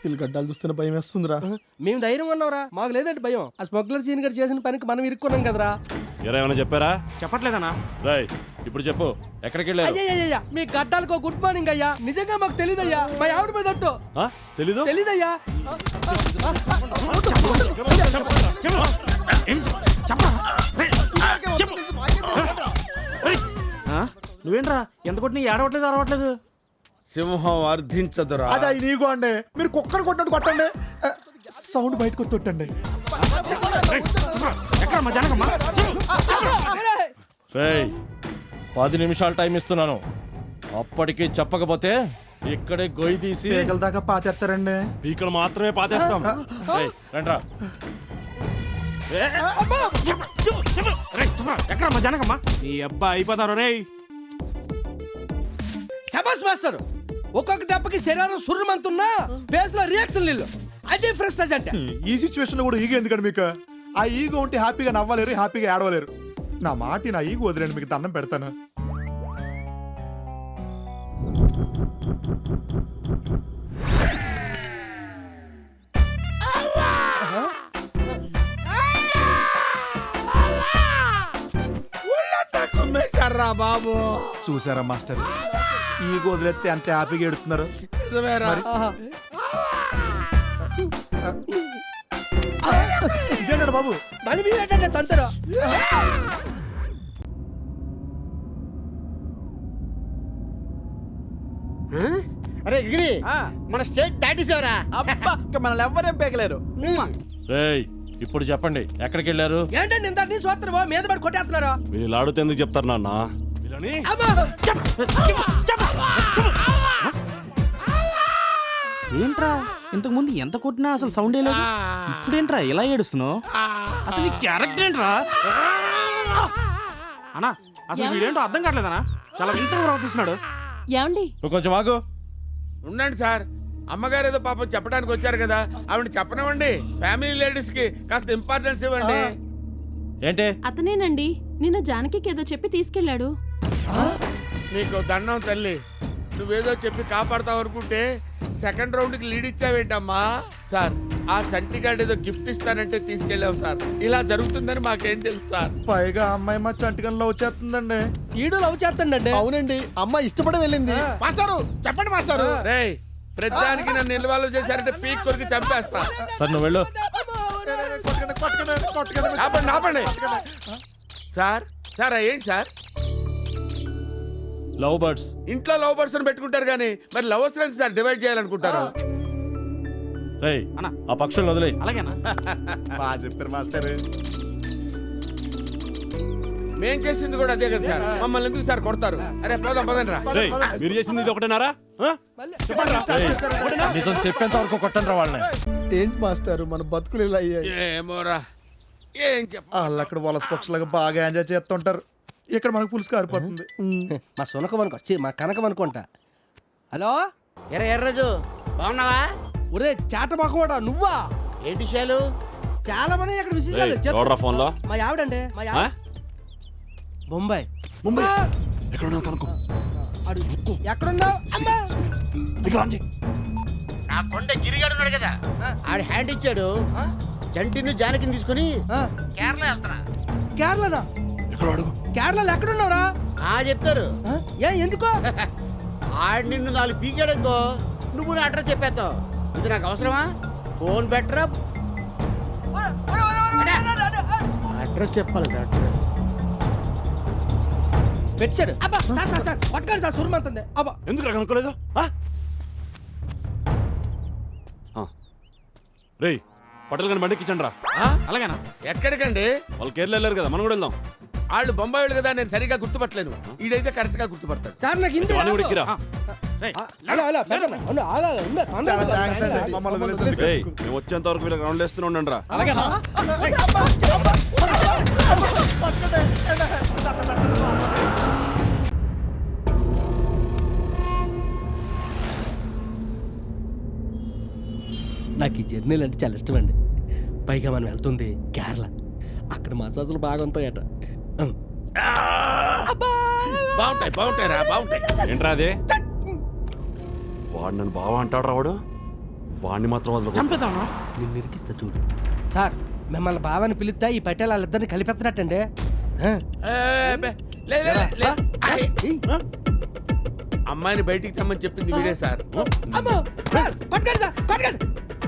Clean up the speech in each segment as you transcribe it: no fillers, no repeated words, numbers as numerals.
వీళ్ళు గడ్డాలు చూస్తున్న భయం వేస్తుందిరా. మేము ధైర్యం ఉన్నావురా, మాకు లేదంటే భయం. ఆ స్మగ్లర్ సీన్ గారు చేసిన పనికి మనం ఇరుక్కున్నాం కదరా. ఏమైనా చెప్పారా? చెప్పట్లేదన్నా. రై ఇప్పుడు చెప్పు, ఎక్కడికి వెళ్ళారు? అయ్యా మీ గడ్డాలకు గుడ్ మార్నింగ్ అయ్యా. నిజంగా మాకు తెలీదయ్యా, మా ఆవిడ మీద ఒట్టు. తెలీదు? తెలీదయ్యా. నువ్వేంట్రా ఎంత కొట్టినా ఏడవట్లేదు అరవట్లేదు? సింహం అర్థించదురా. అదే నీకు అండి, మీరు కుక్కర్ కొట్టినట్టు కొట్టండి, సౌండ్ బయటకు తొట్టండి. రేయ్ 10 నిమిషాలు టైం ఇస్తున్నాను, అప్పటికి చెప్పకపోతే ఇక్కడే గొయ్యి తీసి పేగల దాకా పాతేస్తారండి. పీకలు మాత్రమే పాతేస్తాం. రండ్రా. ఎక్కడ మా జనకమ్మా? నీ అబ్బా అయిపోతారు రే. శబాష్ మాస్టర్, ఒక్కొక్క దెబ్బకి శరీరం సుర్రమంతున్నా ఫేస్ లో రియాక్షన్ లేదు. అదే ఫ్రెస్టేజ్ అంటే. ఈ సిచ్యువేషన్ లో కూడా ఈగో ఎందుకండి మీకు? ఆ ఈగో ఉంటే హ్యాపీగా నవ్వలేరు, హ్యాపీగా ఏడవలేరు. నా మాట నా ఈగో వదిలేండి, మీకు దండం పెడతాను. బాబు చూసారా మాస్టర్, ఈగో వదిలేస్తే అంత హ్యాపీగా ఎడుతున్నారు. ఇదేంటాడు బాబు? మళ్ళీ మీరేంటంటే తంతరా. అరే గిరి, మన స్టేట్ దాటేసావరా? మనల్ని ఎవ్వరేం పేకలేరు. రేయ్ ఇప్పుడు చెప్పండి, ఎక్కడికి వెళ్ళారు? ఏంటండి ఇంత నీ సోత్రమో మీద పడి కొట్టేస్తున్నారా? వీళ్ళు ఆడితే ఎందుకు చెప్తారు నాన్న? వీళ్ళని ఏంట్రా ఇంతకు ముందు ఎంత కొట్టినా అసలు సౌండ్ లేదు, ఇప్పుడేంట్రా ఇలా ఏడుస్తున్నావు? అసలు ఈ క్యారెక్టర్ ఏంట్రా అన్నా? అసలు వీడేంటో అర్థం కావట్లేదనా, చాలా వింతగా ప్రవర్తిస్తున్నాడు. ఏమండి నువ్వు కొంచెం ఆగు. ఉండండి సార్, అమ్మగారు ఏదో పాపం చెప్పడానికి వచ్చారు కదా, ఆవిడ చెప్పనివ్వండి. ఫ్యామిలీ లేడీస్ కి కాస్త ఇంపార్టెన్స్ ఇవ్వండి. ఏంటి? అతనేనండి నిన్న జానకికి ఏదో చెప్పి తీసుకెళ్ళాడు. నీకు దండం తల్లి, నువ్వేదో చెప్పి కాపాడతావు అనుకుంటే సెకండ్ రౌండ్ కి లీడ్ ఇచ్చావేంటమ్మా? సార్ ఆ చంటిగాడు ఏదో గిఫ్ట్ ఇస్తానంటే తీసుకెళ్ళావు సార్, ఇలా జరుగుతుందని మాకేం తెలుసు సార్. పైగా అమ్మాయి మా చంటికల్లో వచ్చేస్తుందండి. ఈడు లవ్ చేస్తాడండి. అవునండి, అమ్మాయి ఇష్టపడి వెళ్ళింది. మాస్టారు చెప్పండి మాస్టారు. రేయ్ ప్రతిదానికి నన్ను నిల్వలు చేశారంటే పీక్ కొరికి చంపేస్తా. సార్ నువ్వు వెళ్ళు. ఆపండి ఆపండి. సార్ సార్ ఏంటి సార్? లవ్ బర్డ్స్ ఇంట్లో లవ్ బర్డ్స్ పెట్టుకుంటారు కానీ మరి లవర్స్ సార్ డివైడ్ చేయాలనుకుంటారు. రేయ్ అన్న ఆ పక్షులను వదిలే. అలాగేనా? బాగా చెప్పారు మాస్టర్. మేం చేసింది కూడా అదే కదా సార్, మమ్మల్ని ఎందుకు సార్ కొడతారు? అరే పోదాం పదండి రా. రేయ్ మీరు చేసింది ఇది ఒకటేనారా? నిజం చెప్పేంత వరకు కొట్టండి రా వాళ్ళని. ఏంటి మాస్టర్ మన బతుకులు ఇలా అయ్యాయి? ఏమోరా ఏం చెప్ప. వాళ్ళు అక్కడ వలస పక్షులాగా బాగా ఎంజాయ్ చేస్తుంటారు, ఇక్కడ మనకు పులుసు కారిపోతుంది. మా సునకం అనుకో, మా కనకం అనుకుంటా. హలో ఎర్రరాజు బాగున్నావా? ఒరే చేట మొక్కవాడా నువ్వా? ఏంటి విషయాలు? చాలా మంది ఇక్కడ విశేషాలు రేయ్, ఎవడ్రా ఫోన్లో? మా ఆవిడండి, మా ఆవిడ బొంబాయి. ముంబై ఎక్కడ ఉన్నావు కనుక్కో. ఎక్కడున్నావు? అమ్మా నా కొండ గిరిగాడు ఉన్నాడు కదా, ఆడు హ్యాండ్ ఇచ్చాడు. జంటిని జానకిని తీసుకుని కేరళ వెళ్తారా? కేరళనా? ఎక్కడ అడుగు. కేరళలో ఎక్కడున్నావురా? చెప్తారు. ఎందుకో? ఆడు నిన్ను 4 పీకాడనుకో, నువ్వు నా అడ్రస్ చెప్పేస్తావు. ఇది నాకు అవసరమా? ఫోన్ బెటరా? అడ్రస్ చెప్పాలి. అడ్రస్ పెట్టాడు. అబ్బా సార్ సార్ సార్ పట్టుకోండి సార్, సురమంతుంది. అబ్బా ఎందుకు కనుక్కోలేదు? రేయ్ పటేల్ గారిని బండికి ఇచ్చండి రా. అలాగేనా? ఎక్కడికండి? వాళ్ళు కేరళ వెళ్ళారు కదా, మనం కూడా వెళ్దాం. వాళ్ళు బొంబాయి కదా, నేను సరిగా గుర్తుపట్టలేను. ఈడైతే కరెక్ట్ గా గుర్తుపడతాడు. సార్ నాకు ఇంటి వాడిని కూడా ఎక్కిరా. మమ్మల్ని వదిలేసి. రేయ్ మేము వచ్చేంత వరకు వీళ్ళకి రౌండ్ వేస్తూనే ఉండండి రా. నాకు ఈ జర్నీలు అంటే చాలా ఇష్టం అండి. పైగా మనం వెళ్తుంది కేరళ, అక్కడ మసాజులు బాగా ఉంటాయట. బాగుంటాయి రా, బాగుంటాయి. ఏంట్రా అదే? వాడు నన్ను బావ అంటాడు రావాడు. వాడిని మాత్రం వదలకూడదు. చంపేద్దామా? నిన్ను ఇరికిస్తా చూడు. సార్ మిమ్మల్ని బావని పిలిస్తే ఈ పటేల్ వాళ్ళిద్దరిని కలిపెత్తనట్టండి. అమ్మాయిని బయటికి తెమ్మని చెప్పింది వీడే సార్. అమ్మో! సార్, పట్టుకోండి సార్, పట్టుకోండి.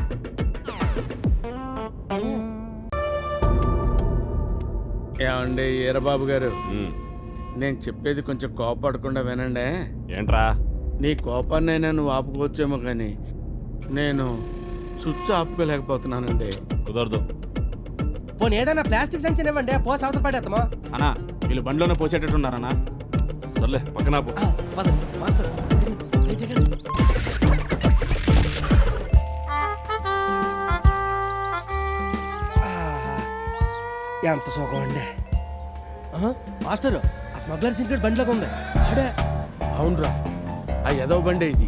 ఏమండి ఈరబాబు గారు, ఉమ్, నేను చెప్పేది కొంచెం కోపడకుండా వినండి. ఏంట్రా? నీ కోపాన్నైనా నువ్వు ఆపుకోవచ్చేమో కానీ నేను స్విచ్ ఆపుకోలేకపోతున్నానండి. కుదరదు. పోనీ ఏదైనా ప్లాస్టిక్ సంచి ఇవ్వండి, పోసి అవతల పడేద్దామా? అన్నా వీళ్ళు బండిలోనే పోసేటట్టున్నారన్నా. సర్లే పక్కన ఆపు. పదండి, మాస్టర్. దిగండి, దిగండి. ఆహా, ఎంత సుఖం అండి. మాస్టర్, ఆ స్మగ్లర్ సీక్రెట్ బండిలోకి ఉంది. ఆడే అవునరా, ఆ ఎదవ బండే ఇది.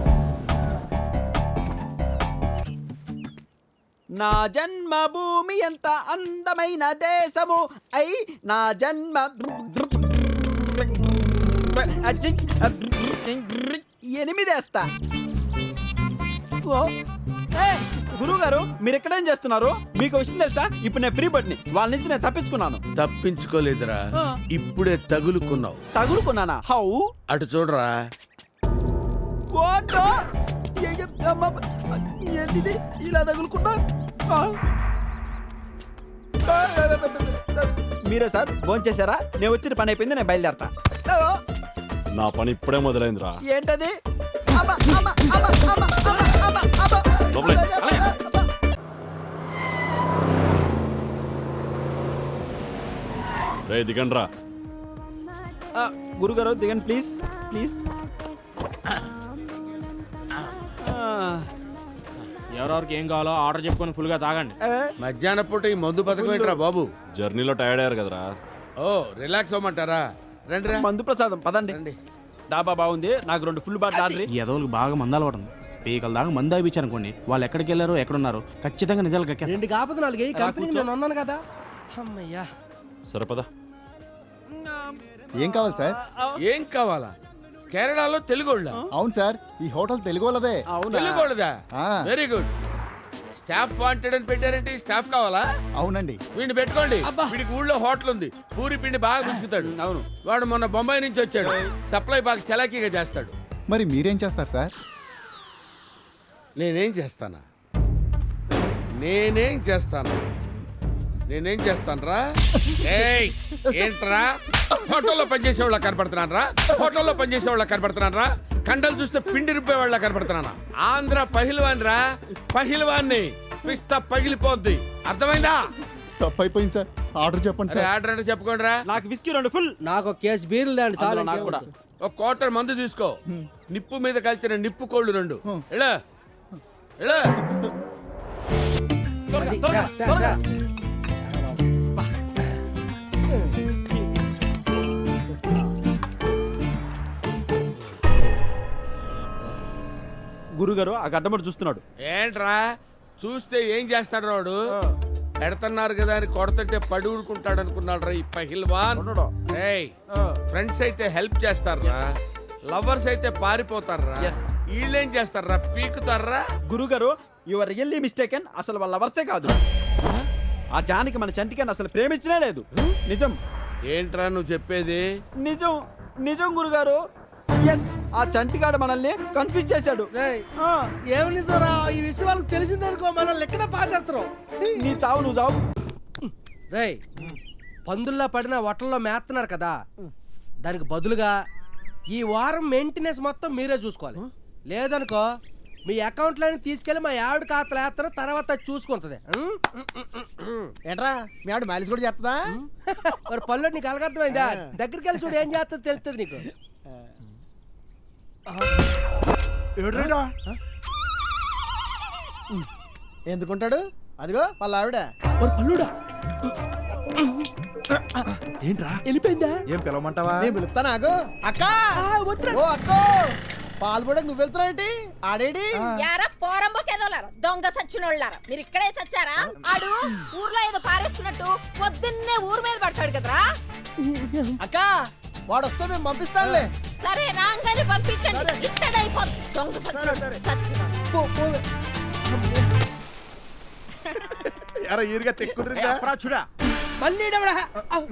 నా జన్మభూమి ఎంత అందమైన దేశము అయి నా జన్మ ఎనిమిదేస్తా. గురువు గారు మీరు ఎక్కడేం చేస్తున్నారు? మీకు విషయం తెలుసా? ఇప్పుడు నేను ఫ్రీ బడ్ని వాళ్ళ నుంచి నేను తప్పించుకున్నాను. తప్పించుకోలేదురా, ఇప్పుడే తగులుకున్నావు. తగులుకున్నానా? హౌ? అటు చూడరా. వాటో? ఏంటిది ఇలా తగులుకున్నా? మీరే సార్ ఫోన్ చేశారా? నేను వచ్చిన పని అయిపోయింది, నేను బయలుదేరతా. నా పని ఇప్పుడే మొదలైందిరా. ఏంటది? అబ్బా, అబ్బా, అబ్బా, అబ్బా, అబ్బా, అబ్బా, అబ్బా. లోపలే. రే దిగండ్రా. గురుగారు దిగండి ప్లీజ్ ప్లీజ్. ఎవరెవరికి ఏం కావాలో ఆర్డర్ చెప్పుకొని ఫుల్గా తాగండి. మధ్యాహ్నం పూట ఈ మందు పథకం ఏంట్రా బాబు? జర్నీలో టైర్డ్ అయ్యారు కదరా. ఓ రిలాక్స్ అవ్వమంటారా? రండి రా. మందు ప్రసాదం పదండి. రండి. డాబా బాగుంది, నాకు 2 ఫుల్ బాటిల్ ఆర్డర్. ఈ ఎదవలకు బాగా మందాలు పడుతుంది. పీకల దాకా మందు అయిపించారు అనుకోండి, వాళ్ళు ఎక్కడికి వెళ్ళారో ఎక్కడున్నారో ఖచ్చితంగా నిజాలు కక్కేస్తారు. 2 కాకపోతే 4 కంపెనీ నేను ఉన్నాను కదా. అమ్మయ్యా. సరే పద. ఏం కావాలి సార్? ఏం కావాలా? కేరళలో తెలుగోళ్ళ? అవును సార్, ఈ హోటల్ తెలుగు వాళ్ళదే. తెలుగోళ్ళదా? ఆ. Very good. స్టాఫ్ వాంటెడ్ అని పెట్టారంటే స్టాఫ్ కావాలా? అవునండి. వీడిని పెట్టుకోండి. వీడికి ఊళ్ళో హోటల్ ఉంది, పూరి పిండి బాగా పిసుకుతాడు. అవును. వాడు మొన్న బొంబాయి నుంచి వచ్చాడు, సప్లై బాగా చలాకీగా చేస్తాడు. మరి మీరేం చేస్తారు సార్? నేనేం చేస్తానా? నేనేం చేస్తానరా? ఏయ్ ఏంట్రా? హోటల్లో పనిచేసేవాళ్ళ కనపడుతున్నానరా? హోటల్లో పనిచేసేవాళ్ళ కనపడుతున్నానరా? కండలు చూస్తే పిండి రుబ్బేవాళ్ళ కనపడుతున్నానా? ఆంధ్ర పహిల్వాన్ రా, పహిల్వాన్ని పిస్తా పగిలిపోద్ది. అర్థమైందా? తప్పైపోయింది సార్, ఆర్డర్ చెప్పండి అరే సార్. ఆర్డర్ అంటే చెప్పకుండా. నాకు విస్కీ 2 ఫుల్. నాకు ఒక కేసు బీర్లు దాండి చాలు. అందులో నాకు కూడా. ఒక క్వార్టర్ మందు తీసుకో. నిప్పు మీద కలిసిన నిప్పు కోళ్ళు 2. ఎలా ఎలా త్వరగా, త్వరగా, త్వరగా. గురుగారు ఆ గడ్డమడు చూస్తున్నాడు. ఏంట్రా చూస్తే ఏం చేస్తాడు వాడు? పెడుతున్నారు కదా అని కొడుతుంటే పడి ఊరుకుంటాడు అనుకున్నాడు రా ఈ పహిల్వాన్. ఏయ్ ఫ్రెండ్స్ అయితే హెల్ప్ చేస్తారా, లవర్స్ అయితే పారిపోతారా? Yes. వీళ్ళేం చేస్తారా? పీకుతారా? గురుగారు యువర్ రియల్లీ మిస్టేకెన్. అసలు వాళ్ళ వర్సే కాదు. ఆ జానికి మన చంటికని అసలు ప్రేమించనే లేదు. నిజం. ఏంట్రా నువ్వు చెప్పేది? నిజం నిజం గురుగారు. ఎస్, ఆ చంటిగాడు మనల్ని కన్ఫ్యూజ్ చేశాడు. ఏమని సార్ ఈ విషయం వాళ్ళకి తెలిసిందనుకో మనల్ని ఎక్కడ పాటేస్తారు. నీ చావు నువ్వు చావు. రేయ్, పందుల్లో పడిన వట్టల్లో మేస్తున్నారు కదా, దానికి బదులుగా ఈ వారం మెయింటెనెన్స్ మొత్తం మీరే చూసుకోవాలి. లేదనుకో మీ అకౌంట్లోని తీసుకెళ్లి మా ఆవిడ ఖాతాలో వేస్తారు, తర్వాత అది చూసుకుంటది. ఏంట్రా మీ ఆవిడ మైలేజ్ కూడా చేస్తుందా? మరి పళ్ళు నీకు అలగర్థమైందా? దగ్గరికి వెళ్ళి చూడు, ఏం చేస్తుందో తెలుస్తుంది నీకు. ఎందుకుంటాడు? అదిగో వాళ్ళ ఆవిడ. పల్లుడా ఏంట్రా వెళ్ళిపోయిందా? ఏం పిలవమంటావా? నేను పిలుస్తాను, ఆగు. అక్క, ఓ అక్కో, పాలు కూడా నువ్వు వెళ్తున్నావు ఏంటి? ఆడేడి? యారా పోరంబోకేదోలారా, దొంగ సచ్చినోళ్ళారా, మీరు ఇక్కడే చచ్చారా? ఆడు ఊర్లో ఏదో పారేసుకున్నట్టు పొద్దున్నే ఊరు మీద పడతాడు కదరా. అక్క, వాడు వస్తే మేము పంపిస్తానులే. సరే రాంగానే పంపించండి, ఇక్కడైపోద్ది దొంగ సచ్చినోడు. ఎరా ఈరుగా తెక్కుదిరిందా మళ్ళీ ఈడెవడా?